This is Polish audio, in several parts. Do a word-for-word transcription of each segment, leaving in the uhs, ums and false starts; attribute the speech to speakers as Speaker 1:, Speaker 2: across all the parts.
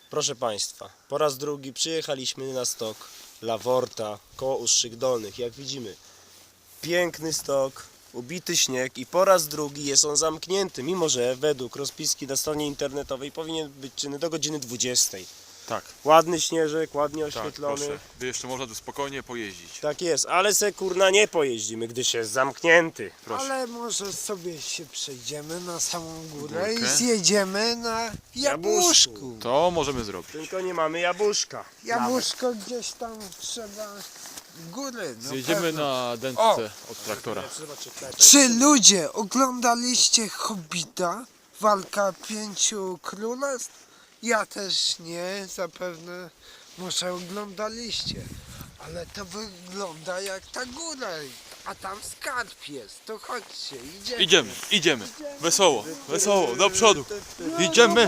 Speaker 1: Proszę Państwa, po raz drugi przyjechaliśmy na stok Laworta koło Ustrzyk Dolnych. Jak widzimy, piękny stok, ubity śnieg i po raz drugi jest on zamknięty, mimo że według rozpiski na stronie internetowej powinien być czynny do godziny dwudziestej.
Speaker 2: Tak,
Speaker 1: Ładny śnieżek, ładnie
Speaker 2: tak,
Speaker 1: oświetlony.
Speaker 2: proszę. By jeszcze można tu spokojnie pojeździć.
Speaker 1: Tak jest, ale se kurna nie pojeździmy, gdyż jest zamknięty.
Speaker 2: Proszę.
Speaker 3: Ale może sobie się przejdziemy na samą górę
Speaker 2: Górkę.
Speaker 3: i zjedziemy na jabłuszku.
Speaker 2: To możemy zrobić.
Speaker 1: Tylko nie mamy jabłuszka.
Speaker 3: Jabłuszko gdzieś tam trzeba góry. No
Speaker 2: Zjedziemy
Speaker 3: pewno.
Speaker 2: na dętce od traktora.
Speaker 3: Czy ludzie oglądaliście Hobbita? Walka pięciu królestw? Ja też nie, zapewne może oglądaliście. Ale to wygląda jak ta góra, a tam skarb jest. To chodźcie, idziemy.
Speaker 2: Idziemy, idziemy. Wesoło, wesoło, do przodu. Idziemy.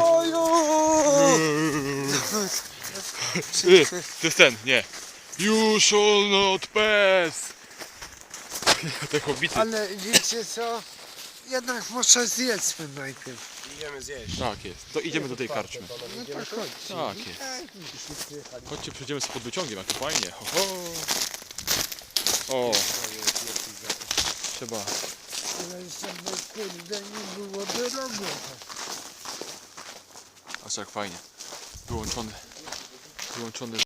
Speaker 2: Y, To jest ten, nie. You shall not pass. Te hobbity.
Speaker 3: Ale wiecie co? Jednak może zjedzmy najpierw.
Speaker 1: Idziemy zjeść.
Speaker 2: Tak jest. To idziemy do tej karczmy.
Speaker 3: No to chodźcie.
Speaker 2: Tak jest. Chodźcie, przejdziemy sobie pod wyciągiem, jak to fajnie. Ho, ho. O, trzeba.
Speaker 3: Ale żeby kurde nie było drogo.
Speaker 2: Aż jak fajnie. Wyłączony. Wyłączony.